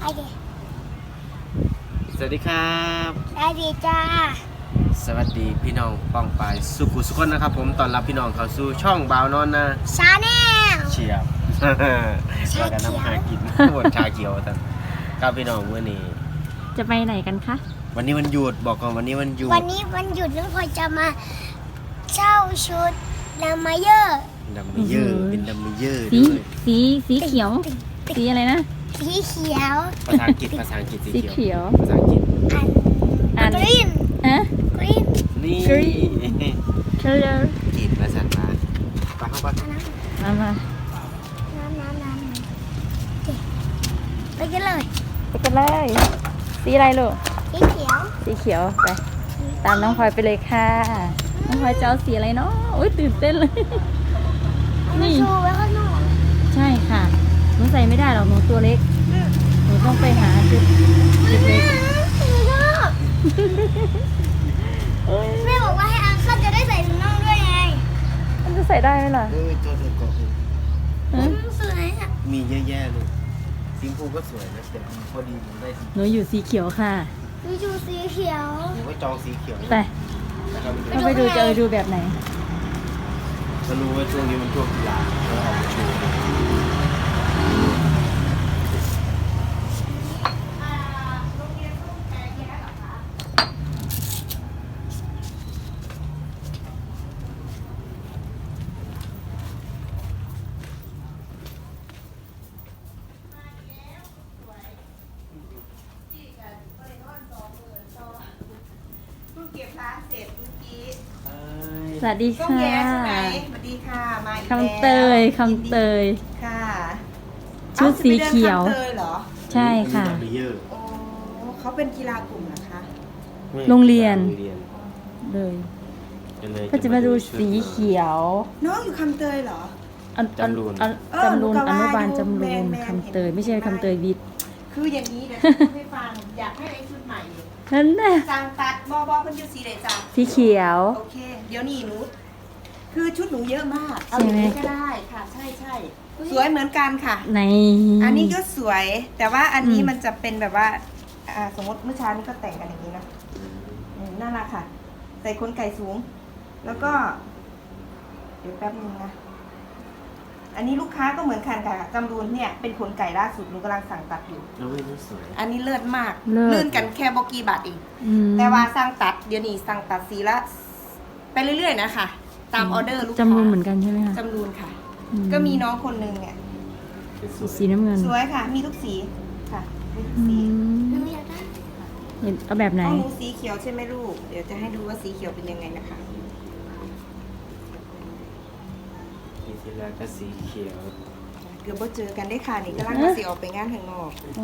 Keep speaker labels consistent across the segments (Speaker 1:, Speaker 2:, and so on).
Speaker 1: เค
Speaker 2: สวัสดีครับ
Speaker 1: สวัสดีจ้า
Speaker 2: สวัสดีพี่น้องป้องปายสุขุสุขคนนะครับผมตอนรับพี่น้องเข้าสู่ช่องบ่าวนอนนะ
Speaker 1: ชาแนล
Speaker 2: เชียบว่ากันน้ำหากินหมดชาเขียวท่านครับพี่น้องวันนี้
Speaker 3: จะไปไหนกันคะ
Speaker 2: วันนี้วันหยุดบอกก่อนวันนี้วันหยุด
Speaker 1: วันนี้วันหยุดน้องพลอยจะมาเช่าชุดลามาเยอร์
Speaker 2: ดัมเบลเยอร์เป็นดัมเบลเยอร์
Speaker 3: สี
Speaker 2: ด้วย
Speaker 3: สีเขียว สีอะไรนะ
Speaker 1: สีเขียว
Speaker 2: ภาษาอังกฤษสี
Speaker 3: สี
Speaker 2: เขียว
Speaker 3: เขียว
Speaker 2: ภาษาอังกฤษ
Speaker 1: อันกรีน
Speaker 3: ฮะ
Speaker 1: กรีน
Speaker 2: นี่
Speaker 3: color
Speaker 2: จีนภาษามาไปเข้าไป
Speaker 3: มามา
Speaker 1: น้ำโอเคไปกันเลย
Speaker 3: ไปกันเลยสีอะไรลูก
Speaker 1: สีเขียว
Speaker 3: สีเขียวไปตามน้องพลอยไปเลยค่ะน้องพลอยจะเอาสีอะไรเนาะโอ๊ยตื่นเต้นเลย
Speaker 1: มา
Speaker 3: นี่
Speaker 1: โชว์ไว้ข้างนอก
Speaker 3: ใช่ค่ะหนูใส่ไม่ได้หรอกหนูตัวเล็กหนูต้องไปหาชุดเล็ก
Speaker 1: แม่บอกว่าให้อังคันจะได้ใส่ถุงน่องด้วยไง
Speaker 3: ๆมันจะใส่ได้ไหมล่ะ
Speaker 2: เอ้ยตัวเธอก่อน
Speaker 3: ฮะ
Speaker 1: สวยอ่ะ
Speaker 2: มีเยอะแยะเลยสีชมพูก็สวยนะแต่พอดีผมได้สี
Speaker 3: หนูอยู่สีเขียวค่ะ
Speaker 1: ดูชูสีเขียว
Speaker 2: ผมก็จองสีเขียว
Speaker 3: ไป
Speaker 2: นะครับ
Speaker 3: เราไปดูจะดูแบบไหน
Speaker 2: จะรู้ว่าช่วงนี้มันช่วงกีฬาเราออกมาโชว์
Speaker 4: เก็บร้านเสร็จเมื่อกี้
Speaker 3: สวัสดี
Speaker 4: ต้อง
Speaker 3: ค่ะ
Speaker 4: แย่ใช่ไหมสวัสดีค่ะมาอีกแล้ว
Speaker 3: คำเตยคำเตย
Speaker 4: ค่ะ
Speaker 3: ชุดสีเขียว
Speaker 4: อ้าจะไปดินคำเตยเหรอ
Speaker 3: ใช่ค่ะ
Speaker 2: ดัมเบลเยอร์
Speaker 4: โอ้เขาเป็นกีฬากลุ่มเหรอคะ
Speaker 3: โรงเรียน
Speaker 2: โรงเรียน
Speaker 3: เลย
Speaker 2: เลย
Speaker 3: ก็จะมาดูสีเขียว
Speaker 4: น้องอยู่คำเตยเหรอ
Speaker 3: จำรูนอนุบาลจำรูนคำเตย ไม่ใช่คำเตยวิทย์
Speaker 4: คืออย่างนี้เดี๋ยวจะพูดให้ฟังอยากให้ไอ้ชุดใหม่อยู่
Speaker 3: นั่นแหละ
Speaker 4: จางตัดบอเพิ่นอยู่สีไหนจ้า
Speaker 3: สีเขียว
Speaker 4: โอเค เดี๋ยวนี่หนูคือชุดหนูเยอะมากเอา
Speaker 3: ใช่
Speaker 4: อย่าง
Speaker 3: ไหม
Speaker 4: นี้ก็ได้ค่ะ ใช่ใช่สวยเหมือนกันค่ะ
Speaker 3: ใน
Speaker 4: อันนี้ก็สวย แต่ว่าอันนี้มันจะเป็นแบบว่าสมมติเมื่อเช้านี้ก็แต่งกันอย่างนี้นะน่ารักค่ะ ใส่ขนไก่สูง แล้วก็ เดี๋ยวแป๊บนึงนะ อันนี้ลูกค้าก็เหมือนกันค่ะจำรูนเนี่ยเป็นขนไก่ล่าสุดหนูกำลังสั่งตัดอยู่
Speaker 2: แล้วไม่สวย
Speaker 4: อันนี้เลิศมาก
Speaker 3: เลิศ
Speaker 4: ลื่นกันแค่บอกกี่บาทเอง
Speaker 3: อืม
Speaker 4: แต่ว่าสั่งตัดเดี๋ยวนี้สั่งตัดสีละไปเรื่อยๆนะคะตามออเดอร์ลูกค้า
Speaker 3: จำรูนเหมือนกันใช่ไหมคะ
Speaker 4: จำรูนค่ะ
Speaker 3: อืม
Speaker 4: ก็มีน้องคนนึงเนี่ย
Speaker 3: สีน้ำเงิน
Speaker 4: สวยค่ะ มีทุกสีค่ะมีทุก
Speaker 3: อื
Speaker 4: สี
Speaker 1: หนู
Speaker 3: ม
Speaker 1: อยากได้
Speaker 3: เอาแบบไหน
Speaker 4: ห้องหนูสีเขียวใช่ไหมลูก เดี๋ยวจะให้ดูว่าสีเขียวเป็นยังไงนะคะ
Speaker 2: ปีที่แล้วก็สีเขียว
Speaker 4: เกือบว่าเจอกันได้ค่ะนี่กำลังจะสีออกไปงานข้างนอก
Speaker 3: อ๋อ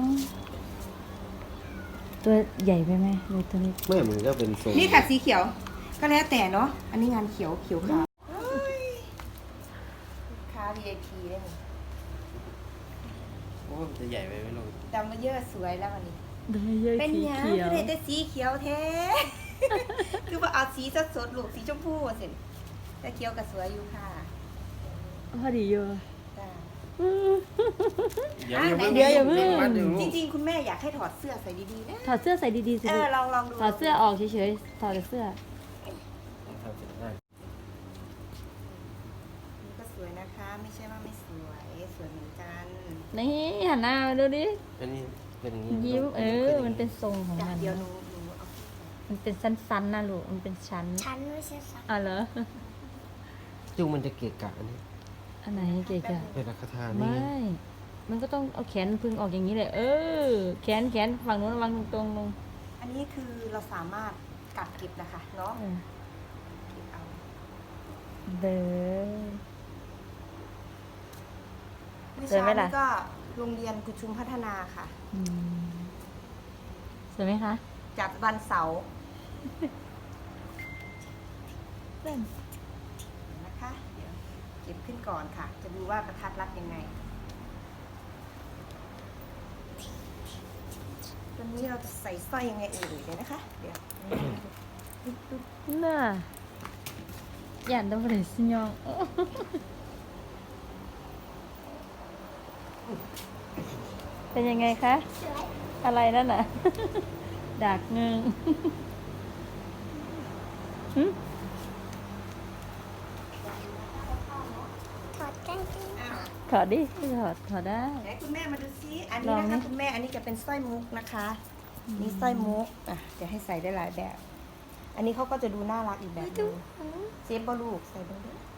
Speaker 3: ตัวใหญ่ไปไหมเลยตัวนี้
Speaker 2: เมื่อมันก็เป็นทรง
Speaker 4: นี่ค่ะสีเขียว ก็แล้วแต่เนาะ อันนี้งานเขียวขาวลูกค้า VIP ได้ไหม
Speaker 2: โอ้มันจะใหญ่ไปไม่ลง
Speaker 4: จำมาเยอะสวยแล้ววันนี้
Speaker 3: ได้เยอะ
Speaker 4: เป็น
Speaker 3: สี
Speaker 4: ยัง
Speaker 3: เขียว
Speaker 4: คือได้แต่สีเขียวแท้ คือว่าเอาสีสดๆลูกสีชมพูสิแต่เขียวกับสวยอยู่ค่ะ
Speaker 3: พอดีเยอะ
Speaker 4: จ้า
Speaker 2: เดี๋ยว
Speaker 3: เดี๋ยวอย่าเพิ่ง
Speaker 4: จริงๆ คุณแม่อยากให้ถอดเสื้อใส่ดีๆนะ
Speaker 3: ถอดเสื้อใส่ดีๆสิ
Speaker 4: เอ
Speaker 3: ลู
Speaker 4: อก ลองดู
Speaker 3: ถอดเสื้อออกเฉยๆ ถอดแต่เสื้อ
Speaker 4: นี่ก็สวยนะคะ ไม่ใช่ว่าไม่สวย สวยเหมือนกัน
Speaker 3: นี่หันหน้ามาดูดิ
Speaker 2: อันนี้เป็นอย่างนี้
Speaker 3: ยิ้มมันเป็นทรงของ
Speaker 4: จาก
Speaker 3: มัน
Speaker 4: เดียวหนูเอา
Speaker 3: มันเป็นสั้นๆนะลูก มันเป็นชั้น
Speaker 1: ฉันไม่ใช่สัก
Speaker 3: อ่ะเหรอ
Speaker 2: จุงมันจะเกะกะอันนี้
Speaker 3: อันไหนเก๋ๆ
Speaker 2: เป็นราคาทา
Speaker 3: ไม่
Speaker 2: นี่
Speaker 3: มันก็ต้องเอาแขนพึงออกอย่างนี้เลย แขนฝั่งนู้นวางตรงๆลง
Speaker 4: อันนี้คือเราสามารถกัดเก็บนะคะเนาะ
Speaker 3: เออ
Speaker 4: เก็บเอา
Speaker 3: เด้อ
Speaker 4: เมื่อ
Speaker 3: สวย
Speaker 4: เช้า
Speaker 3: ไหมล่ะ
Speaker 4: นี้ก็โรงเรียนกุชุมพัฒนาค่ะ
Speaker 3: อืมสวยไหมคะ
Speaker 4: จัดวันเสาร์
Speaker 3: เล่น
Speaker 4: นะคะเดี๋ยวเก็บขึ้นก่อนค่ะ จะดูว่ากระทัดรัดยังไงตอนนี้เราจะใส่สร้อยยังไงเอ่ยเดี๋ยวนะคะ เดี๋ยว
Speaker 3: น่าอย่าต้องไปสิยองเป็นยังไงคะ
Speaker 1: สวย
Speaker 3: อะไรนั่นน่ะ ดักเงงหึ
Speaker 1: ถอดกางเกง
Speaker 4: อ้าว
Speaker 3: ถอดดิถอดได้
Speaker 4: ไหนคุณแม่มาดูซิอัน
Speaker 3: ล
Speaker 4: นี้
Speaker 3: อง
Speaker 4: นะ
Speaker 3: นี่
Speaker 4: คะคุณแม่อันนี้จะเป็นสร้อยมุกนะคะนี่สร้อยมุกอ่ะเดี๋ยวให้ใส่ได้หลายแบบ อันนี้เขาก็จะดูน่ารักอีกแบบหนึงเซฟบอลูกใส่บอลูก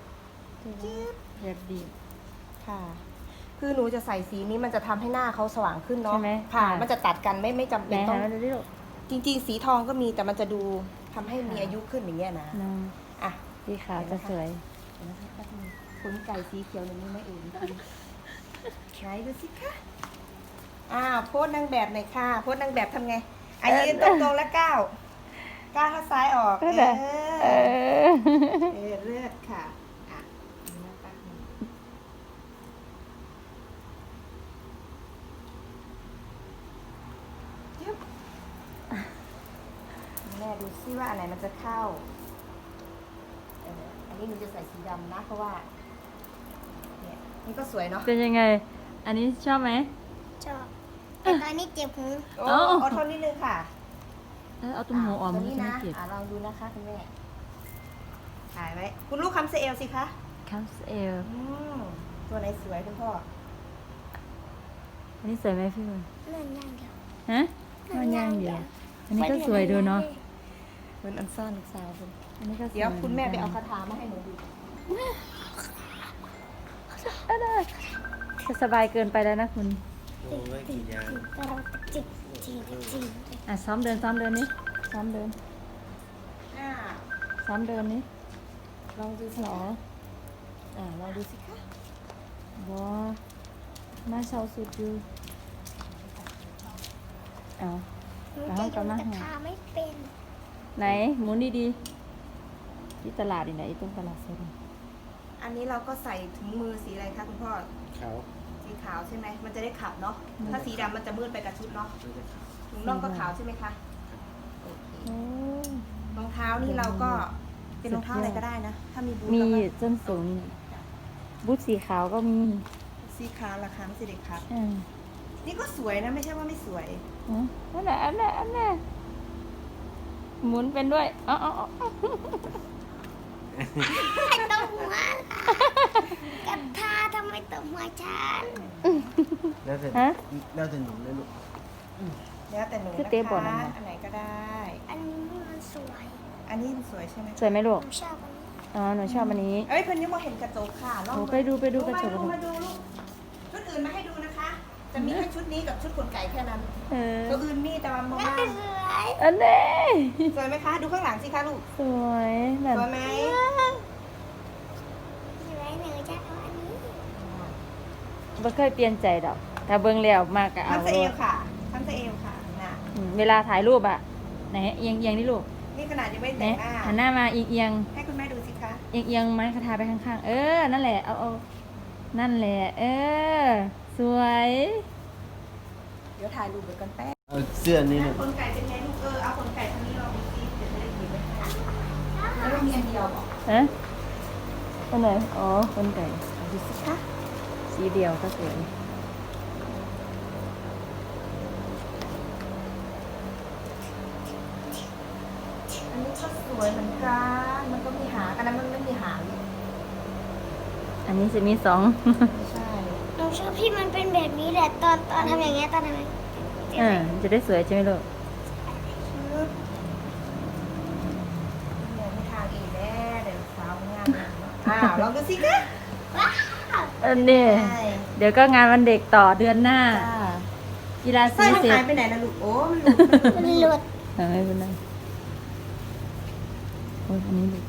Speaker 3: แบบดี
Speaker 4: ค่ะ คือหนูจะใส่สีนี้มันจะทำให้หน้าเขาสว่างขึ้นเนาะ
Speaker 3: ใช่ไหม
Speaker 4: ค่ะ
Speaker 3: ค่ะ
Speaker 4: มันจะตัดกันไม่จำ
Speaker 3: ไห
Speaker 4: เป็น นต้
Speaker 3: หา
Speaker 4: อง
Speaker 3: มาดูดิลูก
Speaker 4: จริงๆ สีทองก็มีแต่มันจะดูทำให้มีอายุขึ้นอย่างเงี้ยนะ
Speaker 3: น้อง
Speaker 4: อ่ะ
Speaker 3: สีขาวจะสวย
Speaker 4: เดี๋ยวนะคะแป๊บนึงขนไก่สีเขียวหนูนี่ไม่เองไหนดูสิคะอ้าวโพสต์นางแบบหน่อยค่ะโพสต์นางแบบทำไงอ่ะยืนตรงๆแล้วก้าวเท้าซ้ายออก
Speaker 3: นั่นแหละเออ
Speaker 4: เลือดค่ะอ่ะดูนะแป๊บนึงยึบแม่ดูซิว่าอันไหนมันจะเข้าอันนี้หนูจะใส่สีดำนะเพราะว่าเนี่ยนี่ก็สวยเนาะ
Speaker 3: เป็นยังไง อันนี้ชอบไหม
Speaker 1: ชอบแต่ตอนนี้เจ็บหู
Speaker 4: โอ้
Speaker 3: เอ้า
Speaker 4: อดทนนิดนึงค่ะ
Speaker 3: เอาตุ้มหูออก
Speaker 4: ตั
Speaker 3: มั
Speaker 4: วน นี้
Speaker 3: จะไม่
Speaker 4: นะ
Speaker 3: เจ็บ
Speaker 4: ลองดูนะคะคุณแม่ถ่ายไว้ คุณลูกคำเซเอลสิคะ
Speaker 3: คัมเอล
Speaker 4: อืมตัวไหนสวยคุณพ่อ
Speaker 3: อันนี้สวยไหมพี่บอล
Speaker 1: เลื่อนย่างเดียว
Speaker 3: ฮะมันย่างเดียวอันนี้ก็สวยดูเนาะ
Speaker 4: เป็นอันซ่อนลูกสาวคุณ
Speaker 3: อันนี้ก็สวย
Speaker 4: เดี๋ยวคุณแม่ไปเอาคาถามาให้หนูดู
Speaker 3: จะสบายเกินไปแล้วนะคุณ
Speaker 2: โอ้ยกี่อย่าง
Speaker 1: แต่เราจิกจิกจิก
Speaker 3: อ่ะซ้อมเดินนี่ซ้อมเดิน
Speaker 4: อ่า
Speaker 3: ซ้อมเดินนี่
Speaker 4: ลองดูสิ
Speaker 3: หรอ
Speaker 4: ลองดูสิคะ
Speaker 3: บอมาเชาสุดอยู่เอา
Speaker 1: หนูจะโยนตะขาไม่เป็น
Speaker 3: ไหนหมุนดีๆที่ตลาดนี่ไหนตรงตลาดสดนี่
Speaker 4: อันนี้เราก็ใส่ถุงมือสีอะไรคะคุณพ่อ
Speaker 2: เขา
Speaker 4: สีขาวใช่ไหม มันจะได้ขับเนาะ ถ้าสีดำมันจะมืดไปกับชุดเนาะ
Speaker 2: ไม่ได้ขาว
Speaker 4: ถุงน่องก็ขาวใช่ไหมคะโอเค
Speaker 3: โอ้
Speaker 4: รองเท้านี่เราก็เป็นรองเท้าอะไรก็ได้นะ ถ้ามีบูท
Speaker 3: มี
Speaker 4: เราก็
Speaker 3: ส้นสูงบูทสีขาวก็มี
Speaker 4: สีขาวราคาไม่ใช่เด็กครับ
Speaker 3: อ่า
Speaker 4: นี่ก็สวยนะไม่ใช่ว่าไม่สวย
Speaker 3: อันน่ะหมุนเป็นด้วยอ๋อ
Speaker 1: ไม่ต้องหัวกระทาทำไมต้องหัวฉัน
Speaker 2: แล้วแต่แล้วแต่หนุ่มเลยลูก
Speaker 4: แล้วแต่หนู
Speaker 3: คือ
Speaker 4: นะ
Speaker 3: เตะบอล
Speaker 4: คะ
Speaker 3: นะ
Speaker 4: อันไหนก็ได้
Speaker 1: อันนี้มันสวย
Speaker 4: อันนี้สวยใช่ไหม
Speaker 3: สวยไหมลู
Speaker 1: ผ
Speaker 3: ก
Speaker 1: มชอบอันนี้
Speaker 3: อ๋อหนูชอบอันนี้
Speaker 4: เอ้ยเพิ่นยังบ่เห็นกระจกค่ะลอง
Speaker 3: โอ้ไปดูกระจก
Speaker 4: มาดูลูกชุดอื่นมาให้ดูนะคะ จะมีแค่ชุดนี้กับชุดขนไก่แค่นั้น
Speaker 3: เออ
Speaker 4: ตัวอื่นมีแต่ว่ามาม่า
Speaker 1: สวย
Speaker 3: อันนี้
Speaker 4: สวยไหมคะ ดูข้างหลังสิคะลูก
Speaker 3: สวยแบบ
Speaker 4: สวยไหม
Speaker 1: สวยหนูจะเอาอันนี้
Speaker 3: ไม่เคยเปลี่ยนใจดอกถ้าเบิ่งแล้วมากก็เอา
Speaker 4: ทำสเอลค่ะทำสเอลค่ะนะ
Speaker 3: เวลาถ่ายรูปอ่ะไหนเอียงนี่ลูก
Speaker 4: นี่ขนาดยังไม่
Speaker 3: ไหน
Speaker 4: แต่งหน้า
Speaker 3: หันหน้ามาเอียง
Speaker 4: ให้คุณแม่ดูสิคะ
Speaker 3: เอียงไม้คาทาไปข้างๆเออนั่นแหละเอานั่นแหละเออสวย
Speaker 4: เดี๋ยวถ่ายรูปไปกันแป๊บ
Speaker 2: เอาเสื้อนี่ลูก
Speaker 4: ขนไก่เป็นไงลูกเอาขนไก่ทางนี้ลองดูสิเดี๋ยวจะได้หยิบไว้ให้แล้วเรามีอันเดียวบอก
Speaker 3: ฮะอันไหนอ๋อคนไก่
Speaker 4: ดูสิคะ
Speaker 3: สีเดียวก็สวย
Speaker 4: อันนี้ก็สวยเหมือนกันมันก็มีหางอันนั้นมันไม่มีหาง
Speaker 3: อันนี้จะมีสอง
Speaker 4: ไม่ใช่
Speaker 1: หนูชอบที่มันเป็นแบบนี้แหละตอนทำอย่างเงี้ยตอนทำอย่างเงี้ย
Speaker 3: จะได้สวยใช่ไหมลูก
Speaker 4: ชุดเนี่ยไม่ทางอีกแน่เดี๋ยวสาวงานลองดูสิคะ
Speaker 1: ว้าว
Speaker 3: อันนี้
Speaker 4: ใช่
Speaker 3: เดี๋ยวก็งานวันเด็กต่อเดือนหน้า
Speaker 4: จ้า
Speaker 3: กีฬา
Speaker 4: สร้
Speaker 3: สี
Speaker 4: อยมัน
Speaker 3: เสร็จ
Speaker 4: หายไปไหนนะลูกโอ้มันหลุดมันหลุด
Speaker 1: มันหลุด
Speaker 3: ไม่เป็นไรโอ้ยอันนี้ดู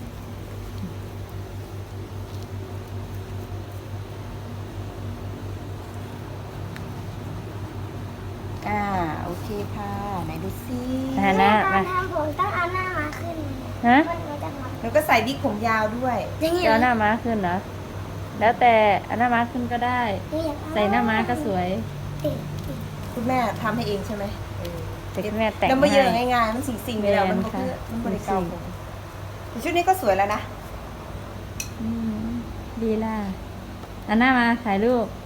Speaker 4: โอเคค่ะไหนดูสิ
Speaker 3: หน้า
Speaker 1: ตอ
Speaker 3: มาน
Speaker 1: ทำผมต้องเอาหน้ามาขึ้น
Speaker 3: ฮะ
Speaker 1: มันจะมา
Speaker 4: แล้วก็ใส่วิกผมยาวด้วย
Speaker 1: อย่างเงี้ย
Speaker 3: จะเอาหน้าม้าขึ้นนะแล้วแต่เอาหน้าม้าขึ้นก็ได้ ใส่หน้าม้าก็สวย
Speaker 1: ติด
Speaker 4: คุณแม่ทำให้เองใช่ไหม
Speaker 3: แต่คุณแม่แต่ง
Speaker 4: แล้วมาเยอะ
Speaker 3: ให้
Speaker 4: ง่ายๆมันสิ่งๆไปแล้วมันก็คือ
Speaker 3: แม่นค่ะ
Speaker 4: มันบริการ
Speaker 3: สิ่ง
Speaker 4: ผมแต่ชุดนี้ก็สวยแล้วนะ
Speaker 3: ดีล่ะเอาหน้ามาถ่ายรูป